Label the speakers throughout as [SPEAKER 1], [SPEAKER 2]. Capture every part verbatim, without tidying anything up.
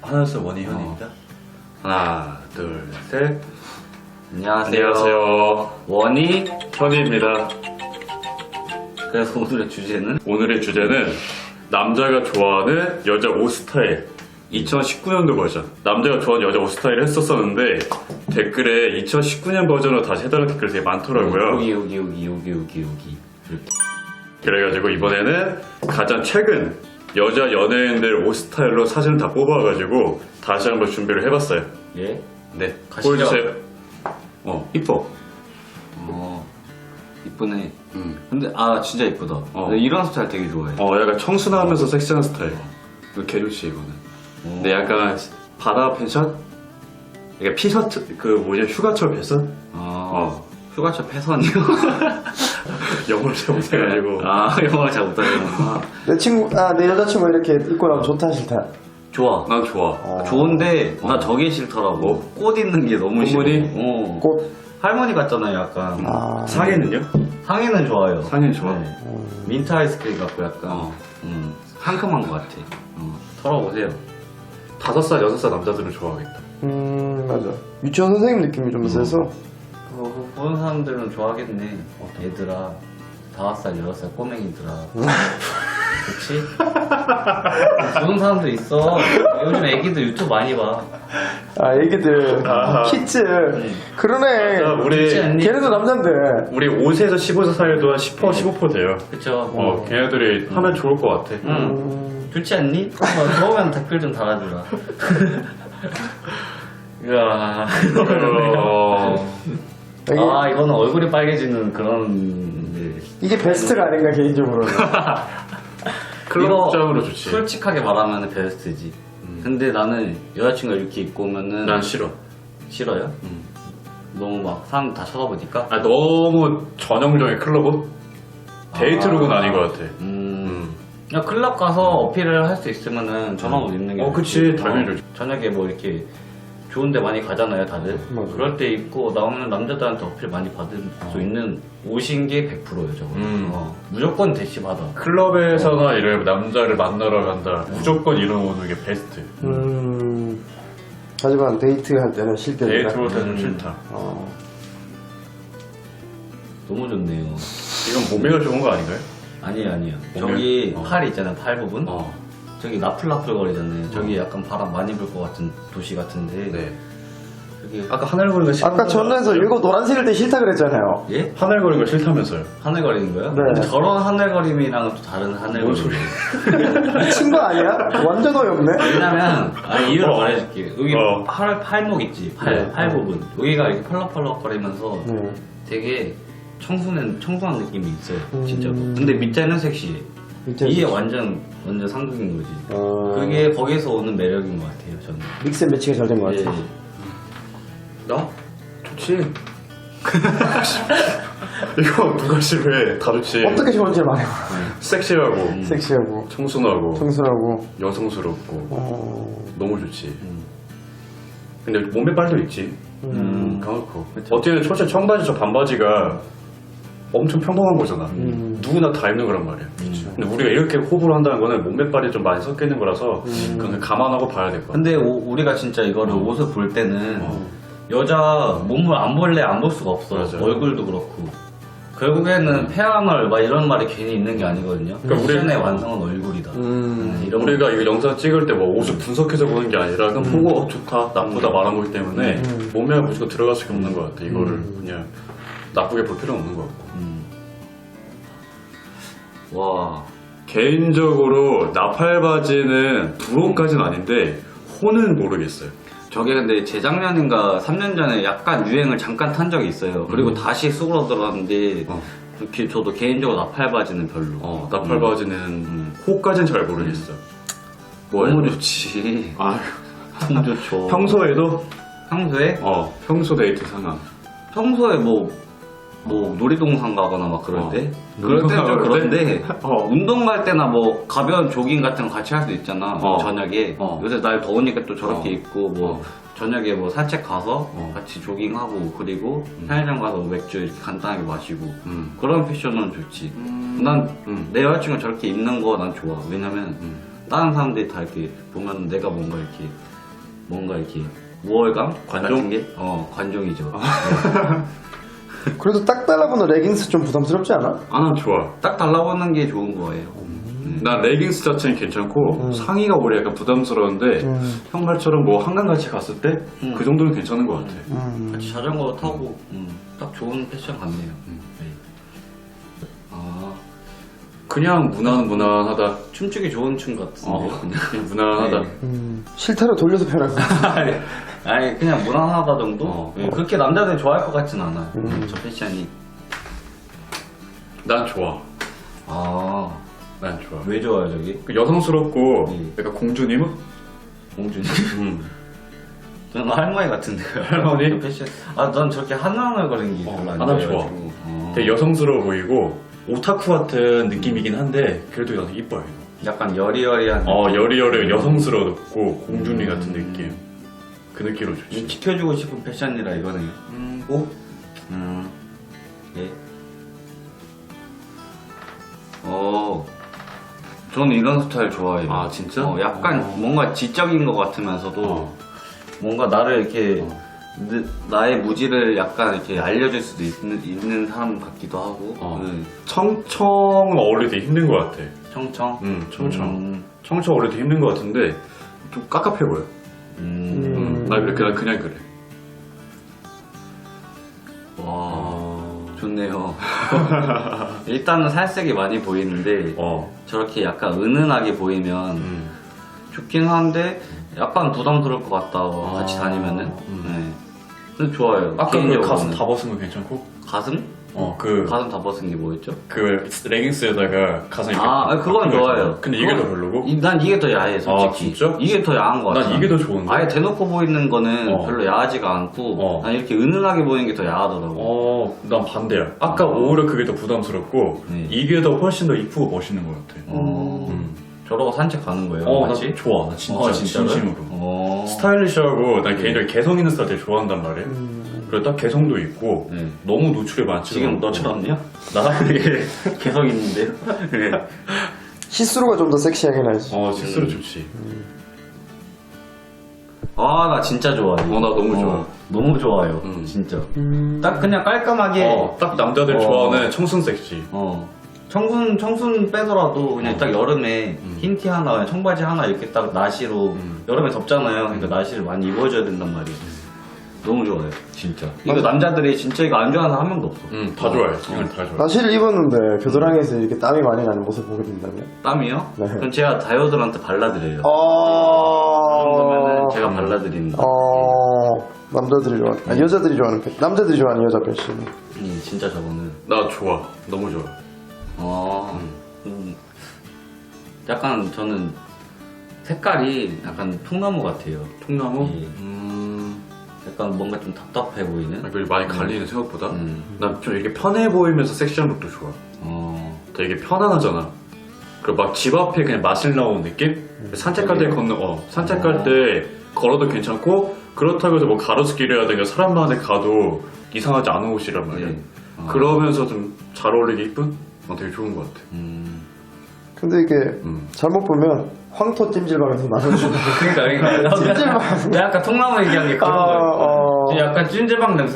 [SPEAKER 1] 하나, 둘, 원희현입니다.
[SPEAKER 2] 어. 하나, 둘, 셋.
[SPEAKER 1] 안녕하세요.
[SPEAKER 2] 안녕하세요.
[SPEAKER 1] 원희.
[SPEAKER 2] 현희입니다.
[SPEAKER 1] 그래서 오늘의 주제는
[SPEAKER 2] 오늘의 주제는 남자가 좋아하는 여자 옷 스타일. 이천십구 년도 버전. 남자가 좋아하는 여자 옷 스타일을 했었었는데 댓글에 이천십구 년 버전으로 다시 해달라는 댓글이 되게 많더라고요.
[SPEAKER 1] 여기 여기 여기 여기 여기 여기 이렇게.
[SPEAKER 2] 그래가지고 이번에는 가장 최근 여자 연예인들 옷 스타일로 사진을 다 뽑아가지고 다시 한번 준비를 해봤어요.
[SPEAKER 1] 예?
[SPEAKER 2] 네,
[SPEAKER 1] 가시죠.
[SPEAKER 2] 보여주세요. 어, 이뻐.
[SPEAKER 1] 어 이쁘네.
[SPEAKER 2] 음.
[SPEAKER 1] 근데 아 진짜 이쁘다.
[SPEAKER 2] 어.
[SPEAKER 1] 나 이런 스타일 되게 좋아해.
[SPEAKER 2] 어, 약간 청순하면서 섹시한 스타일. 이거 개 좋지, 이거는.
[SPEAKER 1] 어.
[SPEAKER 2] 근데 약간 바다 펜션? 약간 피셔츠, 그 뭐지, 휴가철 패션?
[SPEAKER 1] 아
[SPEAKER 2] 어.
[SPEAKER 1] 휴가철 패선이요?
[SPEAKER 2] 영어를 잘 못해가지고.
[SPEAKER 1] 아 영어를 잘 못하는구나.
[SPEAKER 3] 내 친구, 아, 내 여자친구 이렇게 입고 나면 좋다, 싫다.
[SPEAKER 1] 좋아.
[SPEAKER 2] 난 좋아.
[SPEAKER 3] 어.
[SPEAKER 1] 좋은데 나
[SPEAKER 2] 어.
[SPEAKER 1] 저게 싫더라고. 꽃 있는 게 너무 싫어.
[SPEAKER 2] 꽃무늬?
[SPEAKER 1] 어.
[SPEAKER 3] 꽃.
[SPEAKER 1] 할머니 같잖아요, 약간.
[SPEAKER 3] 아.
[SPEAKER 2] 상해는요?
[SPEAKER 1] 상의는 좋아요.
[SPEAKER 2] 상해는 좋아.
[SPEAKER 1] 네. 민트 아이스크림 같고 약간
[SPEAKER 2] 어.
[SPEAKER 1] 음, 상큼한 것 같아. 어. 털어보세요.
[SPEAKER 2] 다섯 살, 여섯 살 남자들은 좋아하겠다.
[SPEAKER 3] 음, 맞아. 유치원 선생님 느낌이 좀 세서.
[SPEAKER 1] 그거 보는 사람들은 좋아하겠네. 얘들아, 다섯 살, 여섯 살 꼬맹이들아. 그치? 보는 사람들 있어. 요즘 애기들 유튜브 많이 봐.
[SPEAKER 3] 아, 애기들.
[SPEAKER 2] 아하.
[SPEAKER 3] 키즈. 그러네.
[SPEAKER 2] 자, 우리,
[SPEAKER 1] 그치 않니?
[SPEAKER 3] 걔네도 남잔데.
[SPEAKER 2] 우리 오세에서 십오 세 사이도 한 십 퍼센트, 십오 퍼센트 돼요.
[SPEAKER 1] 그쵸?
[SPEAKER 2] 어, 걔네들이 하면 좋을 것 같아.
[SPEAKER 1] 응.
[SPEAKER 3] 음,
[SPEAKER 1] 좋지 않니? 한번 좋으면 댓글 좀 달아주라. 이야.
[SPEAKER 2] 어,
[SPEAKER 3] 이게,
[SPEAKER 1] 아, 이거는 얼굴이 빨개지는 그런. 네.
[SPEAKER 3] 이게 베스트가 아닌가, 개인적으로는.
[SPEAKER 2] 클럽장으로 좋지.
[SPEAKER 1] 솔직하게 말하면 베스트지. 근데 나는 여자친구가 이렇게 입고 오면은.
[SPEAKER 2] 난 싫어.
[SPEAKER 1] 싫어요?
[SPEAKER 2] 음.
[SPEAKER 1] 너무 막 사람 다 쳐다보니까?
[SPEAKER 2] 아, 너무 전형적인 클럽 옷? 데이트룩은
[SPEAKER 1] 아.
[SPEAKER 2] 아닌 것 같아.
[SPEAKER 1] 음. 그냥 클럽 가서 어필을 할 수 있으면은 저런 옷 입는 게.
[SPEAKER 2] 어,
[SPEAKER 1] 좋지.
[SPEAKER 2] 그치. 당연히 좋지.
[SPEAKER 1] 저녁에 뭐 이렇게 좋은데 많이 가잖아요, 다들.
[SPEAKER 3] 맞아.
[SPEAKER 1] 그럴 때 입고 나오면 남자들한테 어필 많이 받을 수 있는 옷인 게 백 퍼센트예요, 저거.
[SPEAKER 2] 음.
[SPEAKER 1] 어. 무조건 대시 받아.
[SPEAKER 2] 클럽에서나 이런 남자를 만나러 간다. 무조건 이런 옷은 이게 베스트.
[SPEAKER 3] 음. 하지만 데이트 할 때는 싫게
[SPEAKER 2] 데이트
[SPEAKER 3] 된다.
[SPEAKER 2] 옷은 좀
[SPEAKER 1] 음.
[SPEAKER 2] 싫다.
[SPEAKER 3] 어.
[SPEAKER 1] 너무 좋네요.
[SPEAKER 2] 이건 몸매가 좋은 거 아닌가요?
[SPEAKER 1] 아니에요, 아니에요.
[SPEAKER 2] 오늘?
[SPEAKER 1] 저기
[SPEAKER 2] 어.
[SPEAKER 1] 팔 있잖아요, 팔 부분.
[SPEAKER 2] 어.
[SPEAKER 1] 저기 나풀나풀 거리잖아요. 저기 약간 바람 많이 불 것 같은 도시 같은데.
[SPEAKER 2] 네.
[SPEAKER 1] 저기
[SPEAKER 2] 아까 하늘거리는 싫다.
[SPEAKER 3] 아까 전에서 이거 노란색일 때 싫다 그랬잖아요.
[SPEAKER 1] 예?
[SPEAKER 2] 하늘거리가 싫다면서요.
[SPEAKER 1] 하늘거리는 거요?
[SPEAKER 3] 네.
[SPEAKER 1] 근데 저런 하늘거림이랑은 또 다른 하늘거림.
[SPEAKER 2] 소리.
[SPEAKER 3] 미친 거 아니야? 완전 어이없네?
[SPEAKER 1] 왜냐면 아 이유를
[SPEAKER 2] 어.
[SPEAKER 1] 말해줄게. 여기
[SPEAKER 2] 어.
[SPEAKER 1] 팔 팔목 있지, 팔
[SPEAKER 3] 네.
[SPEAKER 1] 팔 부분. 여기가 이렇게 펄럭펄럭거리면서
[SPEAKER 3] 네.
[SPEAKER 1] 되게 청순한 청순한 느낌이 있어요,
[SPEAKER 3] 음.
[SPEAKER 1] 진짜로. 근데 밑에는 섹시해.
[SPEAKER 3] 밑에는
[SPEAKER 1] 이게
[SPEAKER 3] 섹시.
[SPEAKER 1] 완전 완전 상극인 거지.
[SPEAKER 3] 어.
[SPEAKER 1] 그게 거기서 오는 매력인 것 같아요, 저는.
[SPEAKER 3] 믹스 앤 매치가 잘 된 것
[SPEAKER 1] 예.
[SPEAKER 3] 같아.
[SPEAKER 2] 나? 좋지. 이거 누가 싫어해? 다 좋지.
[SPEAKER 3] 어떻게 좋은지 말해봐.
[SPEAKER 2] 섹시하고,
[SPEAKER 1] 음.
[SPEAKER 3] 섹시하고,
[SPEAKER 2] 청순하고,
[SPEAKER 3] 청순하고.
[SPEAKER 2] 여성스럽고,
[SPEAKER 3] 어.
[SPEAKER 2] 너무 좋지.
[SPEAKER 1] 음.
[SPEAKER 2] 근데 몸에 빨도 있지.
[SPEAKER 1] 음.
[SPEAKER 2] 까놓고.
[SPEAKER 1] 그쵸.
[SPEAKER 2] 어쨌든 초실 청바지 저 반바지가 엄청 평범한 거잖아.
[SPEAKER 3] 음.
[SPEAKER 2] 누구나 다 입는 거란 말이야. 근데 우리가 이렇게 호불호 한다는 거는 몸매 빨이 좀 많이 섞여 있는 거라서
[SPEAKER 3] 음.
[SPEAKER 2] 그건 감안하고 봐야 될 것 같아.
[SPEAKER 1] 근데 오- 우리가 진짜 이거를 옷을 볼 때는
[SPEAKER 2] 어.
[SPEAKER 1] 여자 몸을 안 볼래 안 볼 수가 없어.
[SPEAKER 2] 맞아요.
[SPEAKER 1] 얼굴도 그렇고. 결국에는 폐암을 막 이런 말이 괜히 있는 게 아니거든요.
[SPEAKER 2] 그러니까 우리-
[SPEAKER 1] 패션의 완성은 얼굴이다.
[SPEAKER 3] 음.
[SPEAKER 1] 음, 이런
[SPEAKER 2] 우리가 이거 영상 찍을 때 뭐 옷을 분석해서 보는 게 아니라 그냥 보고 어, 좋다, 나쁘다 말한 거기 때문에
[SPEAKER 3] 음.
[SPEAKER 2] 몸매가 무조건 들어갈 수밖에 없는 것 같아. 이거를 그냥 나쁘게 볼 필요는 없는 것 같고.
[SPEAKER 1] 음. 와.
[SPEAKER 2] 개인적으로 나팔바지는 부러움까지는 아닌데 호는 모르겠어요.
[SPEAKER 1] 저게 근데 재작년인가 삼 년 전에 약간 유행을 잠깐 탄 적이 있어요. 그리고 다시 쑥으로 들어갔는데
[SPEAKER 2] 어.
[SPEAKER 1] 기- 저도 개인적으로 나팔바지는 별로.
[SPEAKER 2] 어, 나팔바지는
[SPEAKER 1] 음.
[SPEAKER 2] 호까지는 잘 모르겠어. 뭐야?
[SPEAKER 1] 너무 좋지.
[SPEAKER 2] 아,
[SPEAKER 1] 너무 좋죠.
[SPEAKER 2] 평소에도
[SPEAKER 1] 평소에?
[SPEAKER 2] 어 평소 데이트 상황.
[SPEAKER 1] 평소에 뭐, 뭐, 놀이동산 가거나 막 그럴
[SPEAKER 2] 어.
[SPEAKER 1] 때? 그럴 때는 좀
[SPEAKER 2] 운동할 때?
[SPEAKER 1] 그런데,
[SPEAKER 2] 어.
[SPEAKER 1] 운동 갈 때나 뭐, 가벼운 조깅 같은 거 같이 할 수 있잖아.
[SPEAKER 2] 어.
[SPEAKER 1] 저녁에.
[SPEAKER 2] 어.
[SPEAKER 1] 요새 날 더우니까 또 저렇게
[SPEAKER 2] 어.
[SPEAKER 1] 입고, 뭐,
[SPEAKER 2] 어.
[SPEAKER 1] 저녁에 뭐 산책 가서
[SPEAKER 2] 어.
[SPEAKER 1] 같이 조깅하고, 그리고 편의점 가서 맥주 이렇게 간단하게 마시고,
[SPEAKER 2] 음.
[SPEAKER 1] 그런 패션은 좋지. 난 내
[SPEAKER 2] 음.
[SPEAKER 1] 여자친구가 저렇게 입는 거 난 좋아. 왜냐면,
[SPEAKER 2] 음.
[SPEAKER 1] 다른 사람들이 다 이렇게 보면 내가 뭔가 이렇게 뭔가 이렇게 우월감
[SPEAKER 2] 관종?
[SPEAKER 1] 같은 게, 어 관종이죠.
[SPEAKER 3] 그래도 딱 달라붙는 레깅스 좀 부담스럽지 않아?
[SPEAKER 2] 아, 난 좋아.
[SPEAKER 1] 딱 달라붙는 게 좋은 거예요.
[SPEAKER 2] 난 레깅스 자체는 괜찮고
[SPEAKER 3] 음.
[SPEAKER 2] 상의가 오히려 약간 부담스러운데
[SPEAKER 3] 음.
[SPEAKER 2] 형 말처럼 뭐 한강 같이 갔을 때 그
[SPEAKER 1] 음.
[SPEAKER 2] 정도는 괜찮은 것 같아.
[SPEAKER 3] 음.
[SPEAKER 1] 같이 자전거 타고 음, 딱 좋은 패션 같네요. 네. 아
[SPEAKER 2] 그냥 무난 무난하다.
[SPEAKER 1] 춤추기 좋은 춤 같은데요.
[SPEAKER 2] 어,
[SPEAKER 1] 그냥.
[SPEAKER 2] 그냥 무난하다.
[SPEAKER 1] 네.
[SPEAKER 3] 음. 실타로 돌려서 편할 것 같아.
[SPEAKER 1] 아니, 아니 그냥 무난하다 정도.
[SPEAKER 2] 어.
[SPEAKER 1] 네, 그렇게 남자들이 좋아할 것 같진 않아요.
[SPEAKER 3] 음.
[SPEAKER 1] 저 패션이.
[SPEAKER 2] 난 좋아.
[SPEAKER 1] 아,
[SPEAKER 2] 난 좋아.
[SPEAKER 1] 왜 좋아요 저기?
[SPEAKER 2] 그 여성스럽고
[SPEAKER 1] 네.
[SPEAKER 2] 약간 공주님?
[SPEAKER 1] 공주님.
[SPEAKER 2] 음.
[SPEAKER 1] 저는 할머니 같은데요.
[SPEAKER 2] 할머니?
[SPEAKER 1] 패션. 아, 난 저렇게 한왕을거리는 게
[SPEAKER 2] 어,
[SPEAKER 1] 별로 안
[SPEAKER 2] 아, 난
[SPEAKER 1] 좋아해가지고.
[SPEAKER 2] 좋아.
[SPEAKER 1] 어.
[SPEAKER 2] 되게 여성스러워 보이고 오타쿠 같은 느낌이긴 한데 그래도 나는 이뻐요. 이거.
[SPEAKER 1] 약간 여리여리한.
[SPEAKER 2] 어 여리여리 여성스럽고 공주님 같은 느낌. 그 느낌으로
[SPEAKER 1] 이
[SPEAKER 2] 좋지.
[SPEAKER 1] 지켜주고 싶은 패션이라 이거네요.
[SPEAKER 2] 음, 오?
[SPEAKER 1] 음, 예. 어, 저는 이런 스타일 좋아해요.
[SPEAKER 2] 아, 진짜?
[SPEAKER 1] 어, 약간
[SPEAKER 2] 어.
[SPEAKER 1] 뭔가 지적인 것 같으면서도
[SPEAKER 2] 어.
[SPEAKER 1] 뭔가 나를 이렇게
[SPEAKER 2] 어.
[SPEAKER 1] 느- 나의 무지를 약간 이렇게 알려줄 수도 있는, 있는 사람 같기도 하고.
[SPEAKER 2] 어.
[SPEAKER 1] 음,
[SPEAKER 2] 청청 어울리기 힘든 것 같아.
[SPEAKER 1] 청청.
[SPEAKER 2] 음, 청청.
[SPEAKER 1] 음,
[SPEAKER 2] 청청 어울리기 힘든 것 같은데 좀 깝깝해 보여.
[SPEAKER 1] 음.
[SPEAKER 2] 음, 나 그래, 그냥, 그냥 그래.
[SPEAKER 1] 와,
[SPEAKER 2] 어.
[SPEAKER 1] 좋네요. 일단은 살색이 많이 보이는데
[SPEAKER 2] 어.
[SPEAKER 1] 저렇게 약간 은은하게 보이면
[SPEAKER 2] 음.
[SPEAKER 1] 좋긴 한데 약간 부담스러울 것 같다 어, 같이
[SPEAKER 2] 아,
[SPEAKER 1] 다니면은.
[SPEAKER 2] 음.
[SPEAKER 1] 네. 근데 좋아요.
[SPEAKER 2] 아까 그
[SPEAKER 1] 개인적으로는.
[SPEAKER 2] 가슴 다 벗은 거 괜찮고?
[SPEAKER 1] 가슴?
[SPEAKER 2] 어, 그,
[SPEAKER 1] 가슴 다 벗은 게 뭐였죠?
[SPEAKER 2] 그 레깅스에다가 가슴 이렇게.
[SPEAKER 1] 아, 아니, 그건
[SPEAKER 2] 바뀐 거
[SPEAKER 1] 좋아요.
[SPEAKER 2] 있잖아. 근데 이게
[SPEAKER 1] 그건-
[SPEAKER 2] 더 별로고?
[SPEAKER 1] 이- 난 이게 더 야해, 솔직히.
[SPEAKER 2] 아, 진짜?
[SPEAKER 1] 이게 더 야한 것 같아.
[SPEAKER 2] 난 이게 더 좋은데?
[SPEAKER 1] 아예 대놓고 보이는 거는
[SPEAKER 2] 어.
[SPEAKER 1] 별로 야하지가 않고,
[SPEAKER 2] 어.
[SPEAKER 1] 난 이렇게 은은하게 보이는 게 더 야하더라고.
[SPEAKER 2] 어, 난 반대야. 아까 오히려 그게 더 부담스럽고,
[SPEAKER 1] 네.
[SPEAKER 2] 이게 더 훨씬 더 이쁘고 멋있는 것 같아.
[SPEAKER 1] 어.
[SPEAKER 2] 음.
[SPEAKER 1] 저러고 산책 가는 거예요?
[SPEAKER 2] 어, 나
[SPEAKER 1] 같이?
[SPEAKER 2] 좋아. 나 진짜
[SPEAKER 1] 어, 진짜로요?
[SPEAKER 2] 진심으로.
[SPEAKER 1] 어.
[SPEAKER 2] 스타일리시하고, 난
[SPEAKER 1] 네.
[SPEAKER 2] 개인적으로 개성 있는 스타일 되게 좋아한단 말이야.
[SPEAKER 3] 음.
[SPEAKER 2] 그리고 딱 개성도 있고,
[SPEAKER 1] 네.
[SPEAKER 2] 너무 노출이 많지
[SPEAKER 1] 지금
[SPEAKER 2] 않고.
[SPEAKER 1] 너처럼요?
[SPEAKER 2] 나?
[SPEAKER 1] 예, 개성 있는데요? 네.
[SPEAKER 3] 시스루가 좀 더 섹시하게 나지.
[SPEAKER 2] 어, 실수로
[SPEAKER 1] 음.
[SPEAKER 2] 좋지.
[SPEAKER 1] 아, 나 진짜 좋아해.
[SPEAKER 2] 어, 나 너무 좋아.
[SPEAKER 1] 너무 좋아요.
[SPEAKER 2] 음.
[SPEAKER 1] 진짜.
[SPEAKER 3] 음.
[SPEAKER 1] 딱 그냥 깔끔하게.
[SPEAKER 2] 어, 딱 남자들
[SPEAKER 1] 어.
[SPEAKER 2] 좋아하는 청순 섹시.
[SPEAKER 1] 어. 청순, 청순 빼더라도 그냥
[SPEAKER 2] 어.
[SPEAKER 1] 딱 여름에
[SPEAKER 2] 음.
[SPEAKER 1] 흰 티 하나, 그냥 청바지 하나 이렇게 딱 나시로.
[SPEAKER 2] 음.
[SPEAKER 1] 여름에 덥잖아요. 그러니까 나시를 많이 입어줘야 된단 말이에요. 너무 좋아요. 진짜. 이거
[SPEAKER 3] 맞아.
[SPEAKER 1] 남자들이 진짜 이거 안 좋아하는 사람 한 명도 없어.
[SPEAKER 2] 응, 다 좋아해. 이건 다 좋아해.
[SPEAKER 3] 나시를 입었는데 겨드랑이에서 이렇게 땀이 많이 나는 모습 보게 된다면?
[SPEAKER 1] 땀이요?
[SPEAKER 3] 네.
[SPEAKER 1] 그럼 제가 다이어들한테 발라드려요.
[SPEAKER 3] 어.
[SPEAKER 1] 그러면은 제가 발라드립니다.
[SPEAKER 3] 어. 남자들이 좋아하는, 아, 여자들이 좋아하는 패 남자들이 좋아하는 여자 패션.
[SPEAKER 1] 예, 진짜 저거는.
[SPEAKER 2] 나 좋아. 너무 좋아.
[SPEAKER 1] 어, 음, 약간 저는 색깔이 약간 통나무 같아요.
[SPEAKER 2] 통나무?
[SPEAKER 1] 예.
[SPEAKER 2] 음.
[SPEAKER 1] 약간 뭔가 좀 답답해 보이는.
[SPEAKER 2] 아, 그리고 많이 갈리는 생각보다.
[SPEAKER 1] 음.
[SPEAKER 2] 난 좀 이렇게 편해 보이면서 섹시한 룩도 좋아.
[SPEAKER 1] 어,
[SPEAKER 2] 되게 편안하잖아. 그리고 막 집 앞에 그냥 마실 나오는 느낌? 산책할 때 걷는, 어, 산책할 때 걸어도 괜찮고, 그렇다고 해서 뭐 가로수길이라든가 사람 많은 데 가도 이상하지 않은 옷이란 말이야.
[SPEAKER 1] 예. 어.
[SPEAKER 2] 그러면서 좀 잘 어울리게 이쁜? 어, 되게 좋은 것 같아.
[SPEAKER 1] 음.
[SPEAKER 3] 근데 이게
[SPEAKER 2] 음.
[SPEAKER 3] 잘못 보면 황토 찜질방에서 나눠주는
[SPEAKER 1] 그러니까, 그러니까.
[SPEAKER 3] 찜질방.
[SPEAKER 1] 내가 아까 통나무 얘기한 게 그런
[SPEAKER 3] 어,
[SPEAKER 1] 거예요.
[SPEAKER 3] 어.
[SPEAKER 1] 지금 약간 찜질방 냄새.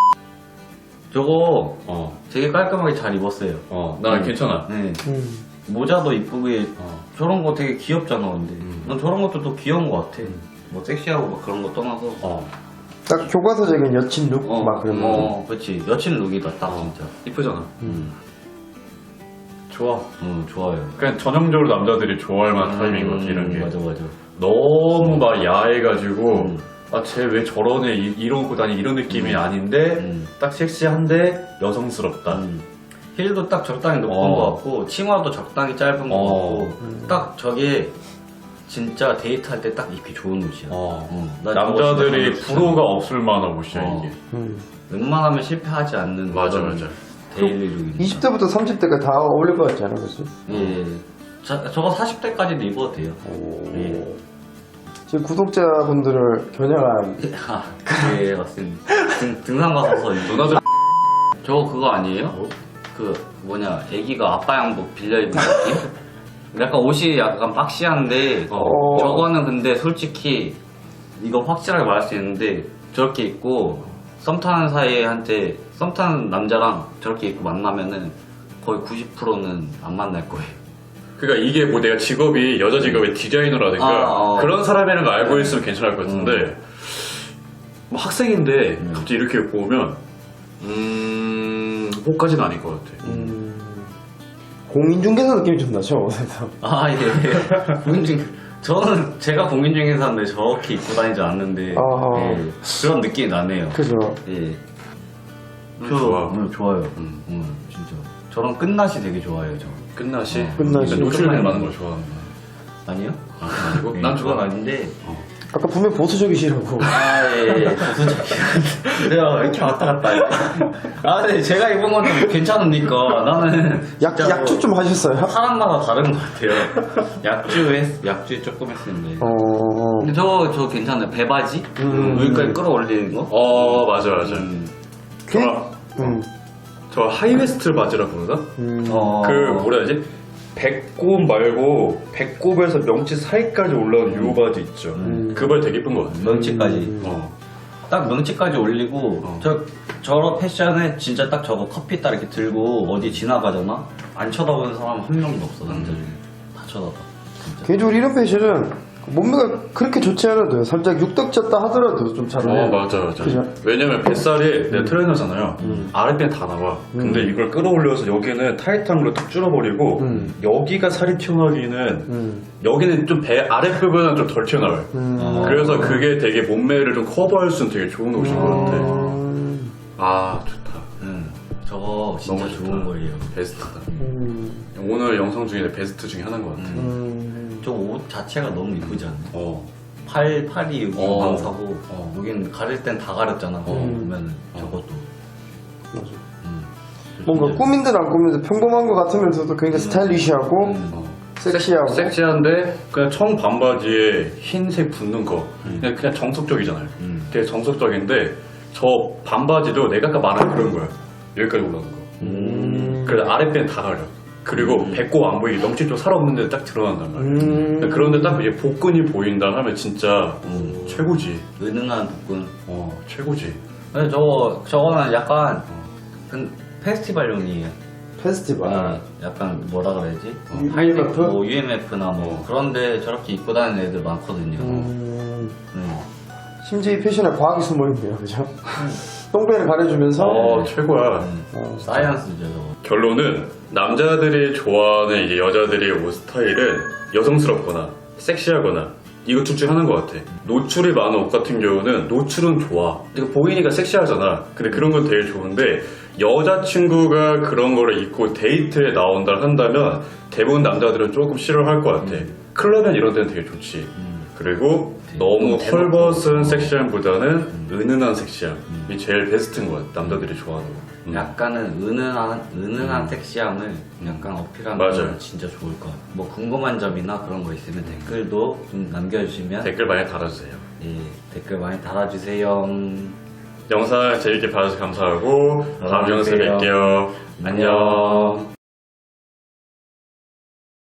[SPEAKER 1] 저거
[SPEAKER 2] 어,
[SPEAKER 1] 되게 깔끔하게 잘 입었어요.
[SPEAKER 2] 어, 나
[SPEAKER 1] 음.
[SPEAKER 2] 괜찮아.
[SPEAKER 1] 네.
[SPEAKER 3] 음.
[SPEAKER 1] 모자도 이쁘게.
[SPEAKER 2] 어.
[SPEAKER 1] 저런 거 되게 귀엽잖아, 근데.
[SPEAKER 2] 음.
[SPEAKER 1] 난 저런 것도 또 귀여운 것 같아. 뭐 섹시하고 막 그런 거 떠나서.
[SPEAKER 2] 어,
[SPEAKER 3] 딱 교과서적인 여친 룩?
[SPEAKER 1] 어,
[SPEAKER 3] 막 그런 거.
[SPEAKER 1] 어, 그렇지. 여친 룩이다, 딱
[SPEAKER 2] 어.
[SPEAKER 1] 진짜.
[SPEAKER 2] 이쁘잖아.
[SPEAKER 1] 음.
[SPEAKER 2] 좋아.
[SPEAKER 1] 음, 좋아요.
[SPEAKER 2] 그냥 전형적으로 남자들이 좋아할 만한 타입인 것 같아,
[SPEAKER 1] 음,
[SPEAKER 2] 이런 게.
[SPEAKER 1] 맞아, 맞아.
[SPEAKER 2] 너무 막 야해가지고,
[SPEAKER 1] 음.
[SPEAKER 2] 아, 쟤 왜 저러네, 이, 이런 거 다니 이런 느낌이 아닌데,
[SPEAKER 1] 음.
[SPEAKER 2] 딱 섹시한데 여성스럽다.
[SPEAKER 1] 음. 힐도 딱 적당히 높은
[SPEAKER 2] 어.
[SPEAKER 1] 것 같고, 치마도 적당히 짧은 것
[SPEAKER 2] 어.
[SPEAKER 1] 같고, 딱 저게 진짜 데이트할 때 딱 입기 좋은 옷이야.
[SPEAKER 2] 어.
[SPEAKER 1] 어, 나
[SPEAKER 2] 남자들이
[SPEAKER 1] 저거 진짜
[SPEAKER 2] 불호가 없을 만한 옷이야,
[SPEAKER 1] 어.
[SPEAKER 2] 이게.
[SPEAKER 3] 음.
[SPEAKER 1] 웬만하면 실패하지 않는
[SPEAKER 2] 맞아,
[SPEAKER 1] 그런
[SPEAKER 2] 맞아.
[SPEAKER 1] 데일리 룩입니다.
[SPEAKER 3] 이십 대부터 삼십 대까지 다 어울릴 것 같지 않아, 그치?
[SPEAKER 1] 예. 자, 저거 사십 대까지도 입어도 돼요. 예.
[SPEAKER 3] 지금 구독자분들을 겨냥한
[SPEAKER 1] 아, 예, 맞습니다. 등, 등산 가서 입고.
[SPEAKER 2] 누나들
[SPEAKER 1] 저거 그거 아니에요?
[SPEAKER 2] 뭐?
[SPEAKER 1] 그 뭐냐 애기가 아빠 양복 빌려 입은 느낌? 약간 옷이 약간 박시한데
[SPEAKER 2] 어.
[SPEAKER 1] 저거는 근데 솔직히 이거 확실하게 말할 수 있는데 저렇게 입고 썸 타는 사이한테 썸 타는 남자랑 저렇게 입고 만나면은 거의 구십 퍼센트는 안 만날 거예요.
[SPEAKER 2] 그러니까 이게 뭐 내가 직업이 여자 직업이 디자이너라든가
[SPEAKER 1] 아, 어.
[SPEAKER 2] 그런 사람이라는 걸 알고 있으면 괜찮을 것 같은데 뭐 학생인데 갑자기 이렇게 입고 오면 음... 뭐까지는 아닐 것 같아.
[SPEAKER 3] 음, 공인중개사 느낌이 좀 나죠 옷에서.
[SPEAKER 1] 아, 예. 공인중, 저는 제가 공인중개사인데 저렇게 입고 다니지 않는데,
[SPEAKER 3] 아하.
[SPEAKER 1] 예. 그런 느낌이 나네요.
[SPEAKER 3] 그죠.
[SPEAKER 1] 예.
[SPEAKER 2] 저 좋아.
[SPEAKER 1] 음, 좋아요. 음, 음, 진짜. 저런 끝맛이 되게 좋아해요, 저.
[SPEAKER 2] 끝나시?
[SPEAKER 1] 어,
[SPEAKER 3] 끝나시.
[SPEAKER 2] 노출을 많은 걸 좋아하는 거야.
[SPEAKER 1] 아니요?
[SPEAKER 2] 아, 그건 아니고?
[SPEAKER 1] 예,
[SPEAKER 2] 난
[SPEAKER 1] 그건
[SPEAKER 2] 좋아.
[SPEAKER 1] 아닌데.
[SPEAKER 3] 아까 분명 보수적이시라고.
[SPEAKER 1] 아, 예, 예. 보수적이야. 내가 이렇게 왔다 갔다 해. 아, 근데 제가 입은 건 좀 괜찮으니까 나는.
[SPEAKER 3] 약,
[SPEAKER 1] 진짜
[SPEAKER 3] 약주
[SPEAKER 1] 뭐
[SPEAKER 3] 좀 하셨어요?
[SPEAKER 1] 사람마다 다른 것 같아요. 약주 했, 약주 조금 했었는데.
[SPEAKER 3] 어,
[SPEAKER 1] 근데 저, 저 괜찮아요. 배바지?
[SPEAKER 3] 음.
[SPEAKER 1] 여기까지 끌어올리는 거?
[SPEAKER 2] 어 맞아 맞아.
[SPEAKER 1] 음.
[SPEAKER 3] 그,
[SPEAKER 2] 저,
[SPEAKER 3] 음,
[SPEAKER 2] 저 하이웨스트 바지라 부르나?
[SPEAKER 3] 음.
[SPEAKER 1] 어.
[SPEAKER 2] 그 뭐라 해야 되지? 배꼽 말고 배꼽에서 명치 사이까지 올라오는 요 바지 있죠.
[SPEAKER 3] 음.
[SPEAKER 2] 그 바지 되게 예쁜 것 같아.
[SPEAKER 1] 명치까지.
[SPEAKER 2] 어.
[SPEAKER 1] 딱 명치까지 올리고,
[SPEAKER 2] 어.
[SPEAKER 1] 저, 저런 패션에 진짜 딱 저거 커피 딱 이렇게 들고 어디 지나가잖아? 안 쳐다보는 사람 한 명도 없어, 남자 중에. 다 쳐다봐. 진짜.
[SPEAKER 3] 개인적으로 이런 패션은 몸매가 그렇게 좋지 않아도 살짝 육덕졌다 하더라도 좀 잘
[SPEAKER 2] 어
[SPEAKER 3] 어울려요.
[SPEAKER 2] 맞아 맞아.
[SPEAKER 3] 그죠?
[SPEAKER 2] 왜냐면 뱃살이 내가 트레이너잖아요. 아랫배는 다 나와. 근데 이걸 끌어올려서 여기는 타이트한 걸로 딱 줄여버리고
[SPEAKER 3] 음.
[SPEAKER 2] 여기가 살이 튀어나오기는
[SPEAKER 3] 음.
[SPEAKER 2] 여기는 좀 배 아랫부분은 좀 덜 튀어나와요.
[SPEAKER 3] 음.
[SPEAKER 1] 어.
[SPEAKER 2] 그래서 그게 되게 몸매를 좀 커버할 수 있는 되게 좋은 옷인 것 같아.
[SPEAKER 3] 음.
[SPEAKER 2] 아 좋다.
[SPEAKER 1] 응. 저거 진짜
[SPEAKER 2] 너무
[SPEAKER 1] 좋은
[SPEAKER 2] 좋다.
[SPEAKER 1] 거예요.
[SPEAKER 2] 베스트다.
[SPEAKER 3] 음.
[SPEAKER 2] 오늘 영상 중에 베스트 중에 하나인 것 같아.
[SPEAKER 3] 음.
[SPEAKER 1] 저 옷 자체가 너무 이쁘지 않나?
[SPEAKER 2] 어.
[SPEAKER 1] 팔, 팔이 여기
[SPEAKER 2] 어.
[SPEAKER 1] 방사고,
[SPEAKER 2] 어.
[SPEAKER 1] 여긴 가릴 땐 다 가렸잖아.
[SPEAKER 2] 어.
[SPEAKER 1] 보면
[SPEAKER 2] 어.
[SPEAKER 1] 저것도.
[SPEAKER 3] 맞아.
[SPEAKER 1] 음.
[SPEAKER 3] 뭔가
[SPEAKER 1] 진짜-
[SPEAKER 3] 꾸민 듯 안 꾸민 듯 평범한 것 같으면서도 굉장히 스타일리시하고
[SPEAKER 1] 음.
[SPEAKER 2] 어.
[SPEAKER 3] 섹시하고
[SPEAKER 2] 섹시한데 그냥 청 반바지에 흰색 붙는 거 그냥, 그냥 정석적이잖아요.
[SPEAKER 1] 음.
[SPEAKER 2] 되게 정석적인데 저 반바지도 내가 아까 말한 그런 거야. 여기까지 올라오는 거.
[SPEAKER 3] 음.
[SPEAKER 2] 그래서 아랫배는 다 가려. 그리고 배꼽 안 보이게 명치 좀 살아없는 데 딱 드러난단 말이야.
[SPEAKER 3] 음.
[SPEAKER 2] 그런데 딱 이제 복근이 보인다 하면 진짜
[SPEAKER 1] 음.
[SPEAKER 2] 최고지.
[SPEAKER 1] 은은한 복근.
[SPEAKER 2] 어 최고지.
[SPEAKER 1] 근데 저거, 저거는 약간, 그 페스티벌용이에요.
[SPEAKER 3] 페스티벌.
[SPEAKER 1] 아, 약간 뭐라 그래야지?
[SPEAKER 3] 유- 유엠에프?
[SPEAKER 1] 뭐 유엠에프나 뭐 그런데 저렇게 입고 다니는 애들 많거든요.
[SPEAKER 3] 음.
[SPEAKER 1] 음.
[SPEAKER 3] 심지어 이 패션에 과학이 숨어있네요, 그죠? 똥배를 가려주면서
[SPEAKER 2] 어 최고야.
[SPEAKER 1] 음.
[SPEAKER 3] 어,
[SPEAKER 1] 사이언스죠, 저거.
[SPEAKER 2] 결론은 남자들이 좋아하는 이제 여자들의 옷 스타일은 여성스럽거나 섹시하거나 이거 둘 중에 하나인 것 같아. 노출이 많은 옷 같은 경우는 노출은 좋아. 이거 보이니까 섹시하잖아. 근데 그런 건 되게 좋은데 여자친구가 그런 거를 입고 데이트에 나온다 한다면 대부분 남자들은 조금 싫어할 것 같아. 클럽엔 이런 데는 되게 좋지. 그리고 너무
[SPEAKER 1] 대놓고.
[SPEAKER 2] 헐벗은 섹시함보다는 은은한 섹시함이 제일 베스트인 것 같아. 남자들이 좋아하는 거. 음.
[SPEAKER 1] 약간은 은은한 은은한 섹시함을 약간 어필하면
[SPEAKER 2] 맞아요.
[SPEAKER 1] 진짜 좋을 것 같아요. 뭐 궁금한 점이나 그런 거 있으면 댓글도 좀 남겨주시면
[SPEAKER 2] 댓글 많이 달아주세요.
[SPEAKER 1] 예, 댓글 많이 달아주세요.
[SPEAKER 2] 영상 재밌게 봐주셔서 감사하고 다음
[SPEAKER 1] 안녕히
[SPEAKER 2] 영상에
[SPEAKER 1] 계세요.
[SPEAKER 2] 뵐게요. 안녕.